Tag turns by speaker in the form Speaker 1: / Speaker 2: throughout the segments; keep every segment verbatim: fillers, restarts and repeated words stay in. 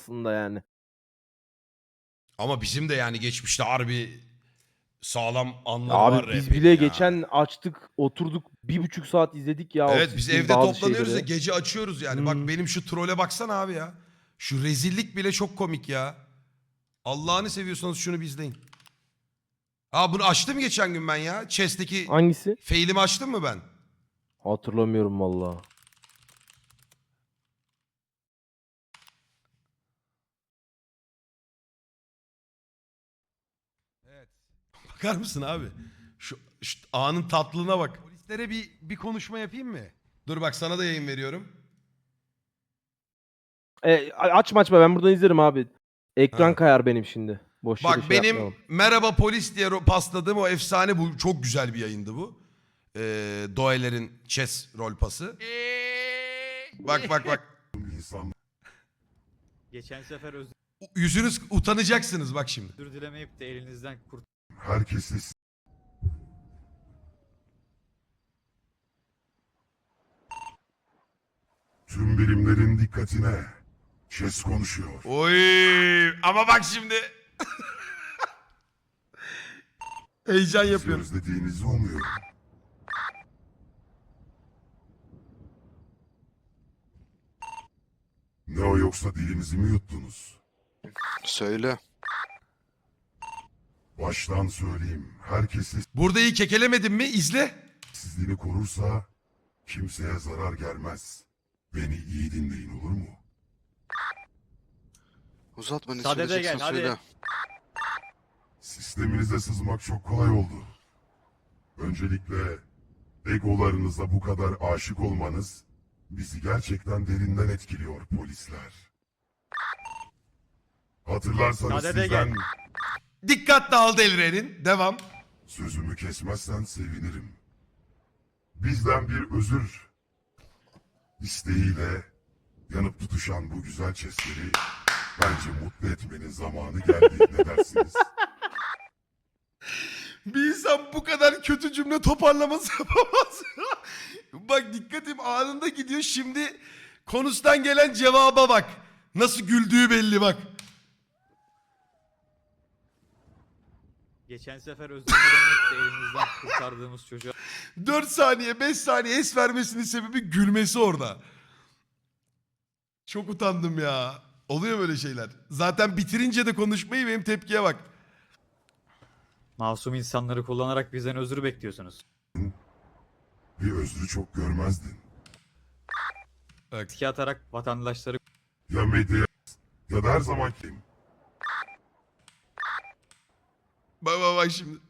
Speaker 1: aslında yani.
Speaker 2: Ama bizim de yani geçmişte harbi sağlam anları
Speaker 1: Abi
Speaker 2: var
Speaker 1: biz
Speaker 2: rap'in
Speaker 1: bile
Speaker 2: ya.
Speaker 1: geçen açtık, oturduk bir buçuk saat izledik ya o
Speaker 2: Evet biz
Speaker 1: siktiğin
Speaker 2: evde
Speaker 1: bazı
Speaker 2: toplanıyoruz ya
Speaker 1: şeyleri.
Speaker 2: gece açıyoruz yani. Bak
Speaker 1: Hmm.
Speaker 2: benim şu trole baksana abi ya. Şu rezillik bile çok komik ya. Allah'ını seviyorsanız şunu bir izleyin. Aa bunu açtım geçen gün ben ya. Chess'teki
Speaker 1: Hangisi?
Speaker 2: fail'imi açtım mı ben?
Speaker 1: Hatırlamıyorum valla.
Speaker 2: Evet. Bakar mısın abi? Şu, şu anın tatlılığına bak. Polislere bir, bir konuşma yapayım mı? Dur bak sana da yayın veriyorum.
Speaker 1: E, açma açma, ben buradan izlerim abi. Ekran
Speaker 2: Ha.
Speaker 1: kayar benim şimdi. Boş yere
Speaker 2: Bak
Speaker 1: şey
Speaker 2: benim
Speaker 1: yapmayalım.
Speaker 2: merhaba polis diye ro- pasladığım o efsane, bu çok güzel bir yayındı bu. Ee, Doeler'in chess rol pası. Bak bak bak.
Speaker 3: Geçen sefer özür
Speaker 2: Yüzünüz utanacaksınız bak şimdi.
Speaker 3: dilemeyip de elinizden kurt
Speaker 4: Herkese tüm birimlerin dikkatine. Chess konuşuyor.
Speaker 2: Oy ama bak şimdi. Heyecan
Speaker 4: Bizi
Speaker 2: yapıyorum.
Speaker 4: özlediğinizi umuyorum. Ne o, yoksa dilinizi mi yuttunuz?
Speaker 5: Söyle.
Speaker 4: Baştan söyleyeyim. Herkes
Speaker 2: Burada iyi kekelemedim mi? İzle.
Speaker 4: sessizliğini korursa kimseye zarar gelmez. Beni iyi dinleyin, olur mu?
Speaker 5: Uzatma, ne
Speaker 3: Sadede
Speaker 5: söyleyeceksin
Speaker 3: gel, hadi.
Speaker 5: söyle.
Speaker 4: Sisteminize sızmak çok kolay oldu. Öncelikle egolarınıza bu kadar aşık olmanız bizi gerçekten derinden etkiliyor polisler. Hatırlarsanız
Speaker 3: Sadede
Speaker 4: sizden
Speaker 3: gel.
Speaker 2: Dikkat dağıldı Elren'in. Devam.
Speaker 4: sözümü kesmezsen sevinirim. Bizden bir özür isteğiyle yanıp tutuşan bu güzel chestleri bence mutlu etmenin zamanı geldi. Ne dersiniz?
Speaker 2: Bir insan bu kadar kötü cümle toparlaması yapamaz. Bak dikkatim anında gidiyor. Şimdi konustan gelen cevaba bak. Nasıl güldüğü belli bak.
Speaker 3: geçen sefer özür dilemeyip de elinizden kurtardığımız çocuğa
Speaker 2: dört saniye beş saniye es vermesinin sebebi gülmesi orada. Çok utandım ya. Oluyor böyle şeyler. Zaten bitirince de konuşmayı benim tepkiye bak.
Speaker 3: masum insanları kullanarak bizden özür bekliyorsunuz.
Speaker 4: Bir özrü çok görmezdin.
Speaker 2: Bak.
Speaker 3: Riske atarak vatandaşları
Speaker 4: Ya medya ya da her zaman kim?
Speaker 2: Bak bak bak şimdi.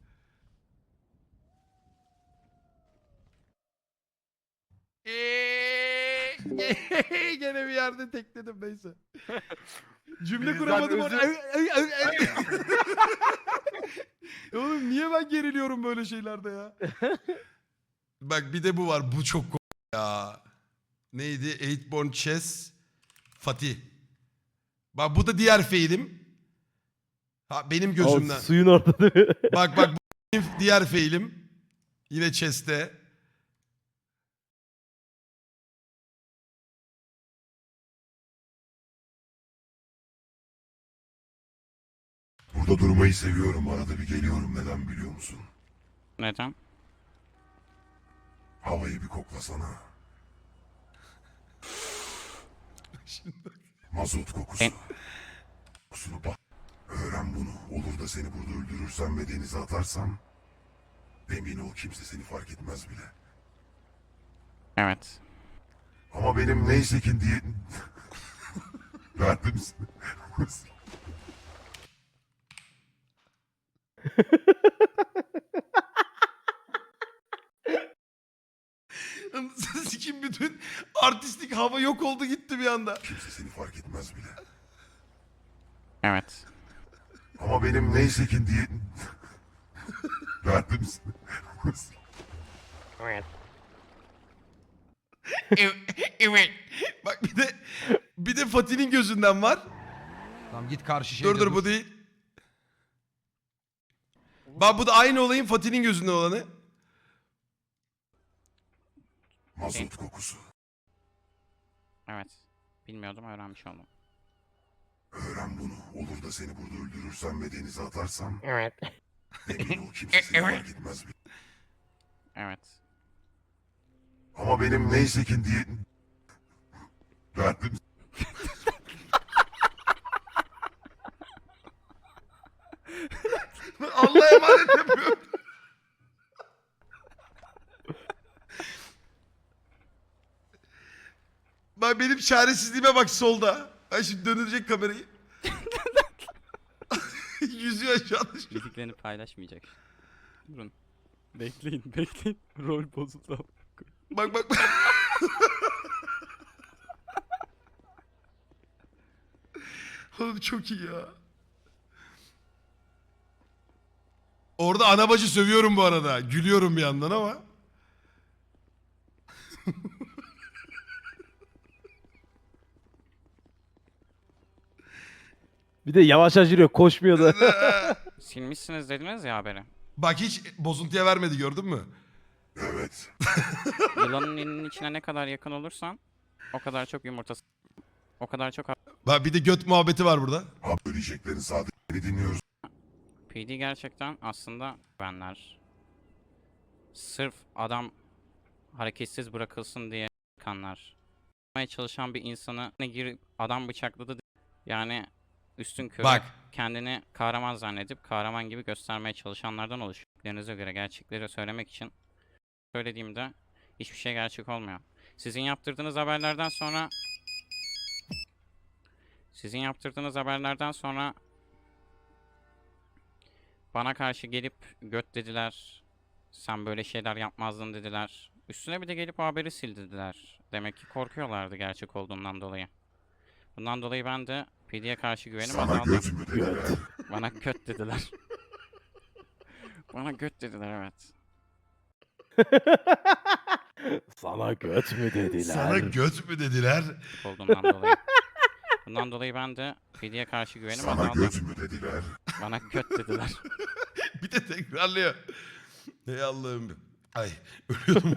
Speaker 2: Gene bir yerde tekledim neyse. Cümle
Speaker 1: Bizden
Speaker 2: kuramadım
Speaker 1: özür-
Speaker 2: orada. Oğlum niye ben geriliyorum böyle şeylerde ya? Bak bir de bu var. Bu çok komik ya. Neydi? Eightborn Chess Fatih. Bak bu da diğer feilim. Ha benim
Speaker 1: O
Speaker 2: gözümden.
Speaker 1: suyun orada değil mi?
Speaker 2: Bak bak bu benim diğer feilim. Yine chess'te.
Speaker 4: Burada durmayı seviyorum. Arada bir geliyorum. Neden biliyor musun?
Speaker 6: Neden?
Speaker 4: Havayı bir koklasana. Mazot kokusu.
Speaker 6: Ben-
Speaker 4: Kokusunu bak. Öğren bunu. Olur da seni burada öldürürsem ve denize atarsam emin ol kimse seni fark etmez bile.
Speaker 6: Evet.
Speaker 4: Ama benim neyse ki diye... Verdim seni.
Speaker 2: Sikim bütün artistik hava yok oldu gitti bir anda.
Speaker 4: Kimse seni fark etmez bile.
Speaker 6: Evet.
Speaker 4: Ama benim neyse ki diye... Verdim seni.
Speaker 2: Evet. Bak bir de bir de Fatih'in gözünden var.
Speaker 7: Tamam git karşı şeyde
Speaker 2: Dur dur bu değil. Bak bu da aynı olayın Fatih'in gözünden olanı.
Speaker 4: Mazot kokusu.
Speaker 6: Evet. Bilmiyordum, öğrenmiş oldum.
Speaker 4: bunu. Olur da seni burada öldürürsem ve denize atarsam
Speaker 6: Evet.
Speaker 4: emin ol kimse seni fark etmez.
Speaker 6: Evet.
Speaker 4: Ama benim neyse ki diye... Derdim
Speaker 2: Allah'a emanet yapıyorum. Bak benim çaresizliğime bak solda. Ben şimdi döndürecek kamerayı. Yüzüyor aşağıda.
Speaker 6: Bildiklerini paylaşmayacak. Durun. Bekleyin, bekleyin. Rol bozuldu.
Speaker 2: Bak bak bak. Oğlum çok iyi ya. Orada ana bacı sövüyorum bu arada. Gülüyorum bir yandan ama.
Speaker 1: Bir de yavaş yürüyor, koşmuyor da.
Speaker 6: Silmişsiniz dediniz ya haberi.
Speaker 2: Bak hiç bozuntuya vermedi gördün mü?
Speaker 4: evet.
Speaker 6: Yılanın elinin içine ne kadar yakın olursan o kadar çok yumurtası, o kadar çok
Speaker 2: Bak bir de göt muhabbeti var burada.
Speaker 4: Ha söyleyeceklerin sadece dinliyoruz.
Speaker 6: P D gerçekten aslında benler. Sırf adam hareketsiz bırakılsın diye kanlar. Yapmaya çalışan bir insanı ne girip adam bıçakladı. Yani üstün körü
Speaker 2: Bak.
Speaker 6: kendini kahraman zannedip kahraman gibi göstermeye çalışanlardan oluşuyor. Bildiğinize göre gerçekleri söylemek için söylediğimde hiçbir şey gerçek olmuyor. Sizin yaptırdığınız haberlerden sonra sizin yaptırdığınız haberlerden sonra bana karşı gelip göt dediler. Sen böyle şeyler yapmazdın dediler. Üstüne bir de gelip o haberi sil dediler. Demek ki korkuyorlardı gerçek olduğundan dolayı. Bundan dolayı ben de P D'ye karşı güvenim
Speaker 4: Sana
Speaker 6: azaldı.
Speaker 4: göt mü dediler?
Speaker 6: Bana göt dediler. Bana göt dediler evet.
Speaker 1: Sana göt mü dediler?
Speaker 2: Sana göt mü dediler?
Speaker 6: Olduğundan dolayı. Bundan dolayı ben de P D'ye karşı güvenim
Speaker 4: Sana
Speaker 6: azaldı.
Speaker 4: göt mü dediler?
Speaker 6: Bana göt dediler.
Speaker 2: Bir de tekrarlıyor. Ey Allah'ım. Ay ölüyordum.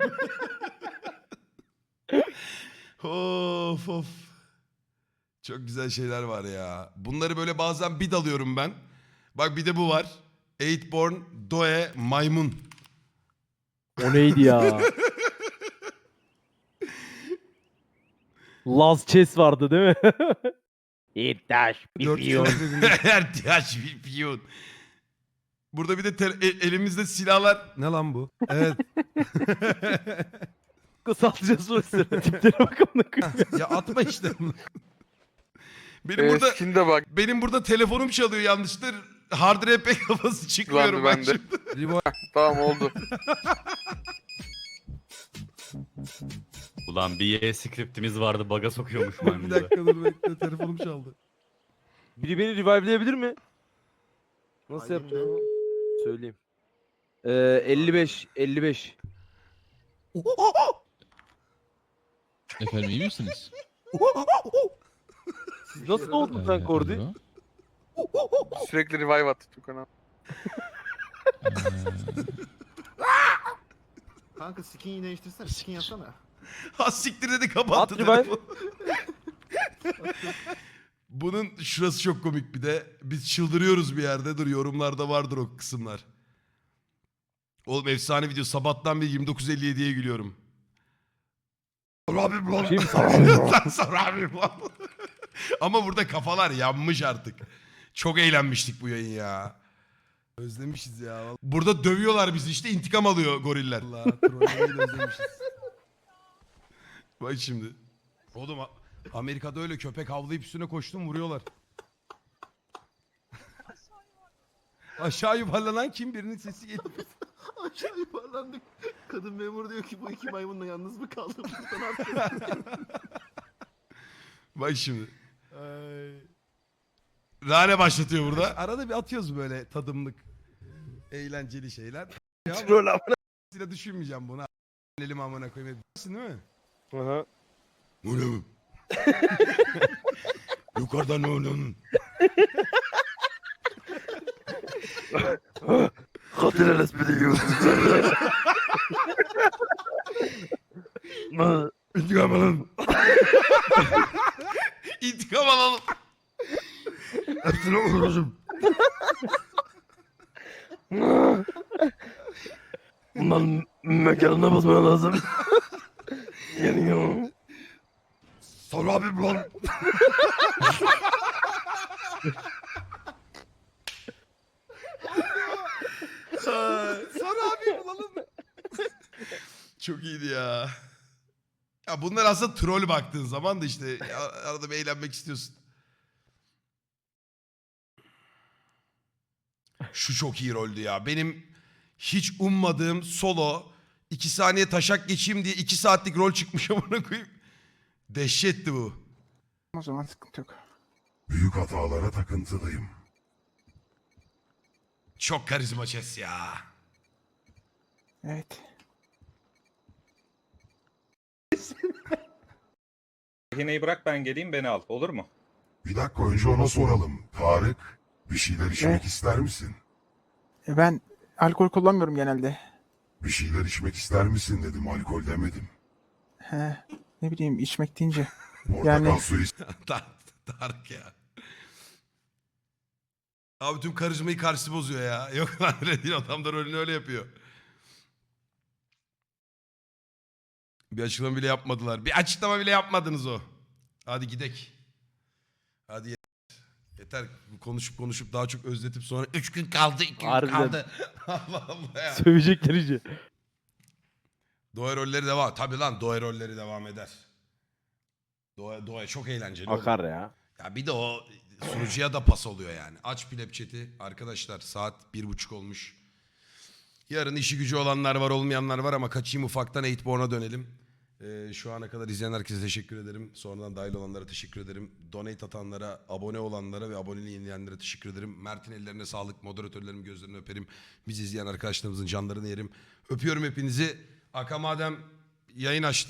Speaker 2: Of of. Çok güzel şeyler var ya. Bunları böyle bazen bir dalıyorum ben. Bak bir de bu var. Eightborn Doe Maymun.
Speaker 1: O neydi ya? Laz Chess vardı değil mi? İddaş bitiyor.
Speaker 2: Ertiyaş bir piyon. Burada bir de te- e- elimizde silahlar. Ne lan bu? Evet.
Speaker 1: Kısaltacağız bu sıra. Tiplere bak amına koyayım.
Speaker 2: Ya atma işte. Benim burada
Speaker 5: Eskinde bak.
Speaker 2: benim burada telefonum çalıyor yanlıştır. Hard R P kafası çıkmıyorum ben
Speaker 5: Ben de.
Speaker 2: şimdi.
Speaker 5: Tamam oldu.
Speaker 8: Ulan bir Y scriptimiz vardı baga sokuyormuş maymunda.
Speaker 2: dur bekle telefonum çaldı.
Speaker 1: Biri beni revive'leyebilir mi? Nasıl yapacağım? Söyleyeyim. Ee, elli beş, elli beş.
Speaker 9: Efendim iyi misiniz?
Speaker 1: Siz nasıl oldun sen
Speaker 9: Ee,
Speaker 1: Kordi?
Speaker 9: alo.
Speaker 5: Sürekli revive attı Tukan'a.
Speaker 9: Ee,
Speaker 10: Kanka skin değiştirsene. Skin yapsana.
Speaker 2: Ha siktir dedi kapattı
Speaker 1: At revive.
Speaker 2: telefonu. Bunun şurası çok komik bir de. Biz çıldırıyoruz bir yerde. Dur yorumlarda vardır o kısımlar. Oğlum efsane video. Sabahtan bir yirmi dokuz elli yediye gülüyorum. Abim lan.
Speaker 1: Kim
Speaker 2: Lan sonra abim lan. Ama burada kafalar yanmış artık. Çok eğlenmiştik bu yayın ya. Özlemişiz ya. Burada dövüyorlar bizi işte intikam alıyor goriller. Allah trollemeyi de özlemişiz. Bak şimdi. Oğlum A- Amerika'da öyle köpek havlayıp üstüne koştum vuruyorlar. Aşağı yuvarlanan kim? Birinin sesi geliyor.
Speaker 10: Aşağı yuvarlandık. Kadın memur diyor ki bu iki maymunla yalnız mı kaldım? Burada ne yapacağız?
Speaker 2: Bak şimdi. Rane başlatıyor burada. Arada bir atıyoruz böyle tadımlık. Eğlenceli şeyler. Ya
Speaker 1: Troll amına.
Speaker 2: bu- düşünmeyeceğim bunu. Elim amına koyayım. Bilirsin değil mi?
Speaker 1: Aha.
Speaker 2: Bu ne bu? Yukarıdan ne onun?
Speaker 1: Hatırlarız beni yiyorsunuz.
Speaker 2: İntikam alalım. İntikam alalım.
Speaker 4: Hepsini öldürürüm.
Speaker 1: Bundan mekanına basman lazım. Yanıyor.
Speaker 4: Sana abim lan.
Speaker 2: Sana abi bulalım. Çok iyiydi ya. Ya bunlar aslında troll baktığın zaman da işte arada bir eğlenmek istiyorsun. Şu çok iyi roldü ya. Benim hiç ummadığım solo iki saniye taşak geçeyim diye iki saatlik rol çıkmış amına koyayım. Dehşetti bu.
Speaker 5: O zaman sıkıntı yok.
Speaker 4: Büyük hatalara takıntılıyım.
Speaker 2: Çok karizma Chess ya.
Speaker 5: Evet.
Speaker 11: Rehineyi bırak ben geleyim beni al. Olur mu?
Speaker 4: Bir dakika önce ona soralım. Tarık, bir şeyler içmek ister misin?
Speaker 5: Ben alkol kullanmıyorum genelde.
Speaker 4: Bir şeyler içmek ister misin dedim, alkol demedim.
Speaker 5: He, ne bileyim içmek deyince.
Speaker 4: Portakal
Speaker 5: Yani-
Speaker 4: suyu
Speaker 2: Tar- Tarık ya. Abi tüm karizmayı karşı bozuyor ya. Yok lan Redin adam da rolünü öyle yapıyor. Bir açıklama bile yapmadılar. Bir açıklama bile yapmadınız o. Hadi gidek. Hadi yeter. Yeter. Konuşup konuşup daha çok özletip sonra üç gün kaldı, iki gün
Speaker 1: Harbiden.
Speaker 2: kaldı. Allah Allah ya.
Speaker 1: Sövecekler iyice.
Speaker 2: Doğa rolleri devam. Tabii lan Doğa rolleri devam eder. Doğa, Doğa çok eğlenceli. oğlum.
Speaker 1: Akar ya.
Speaker 2: Ya bir de o sunucuya da pas oluyor yani. Aç Pleb chat'i. Arkadaşlar saat bir buçuk olmuş. Yarın işi gücü olanlar var olmayanlar var ama kaçayım ufaktan Eightborn'a dönelim. Ee, şu ana kadar izleyen herkese teşekkür ederim. Sonradan dahil olanlara teşekkür ederim. Donate atanlara, abone olanlara ve aboneliği yenileyenlere teşekkür ederim. Mert'in ellerine sağlık, moderatörlerim gözlerini öperim. Bizi izleyen arkadaşlarımızın canlarını yerim. Öpüyorum hepinizi. Aka madem yayın açtı.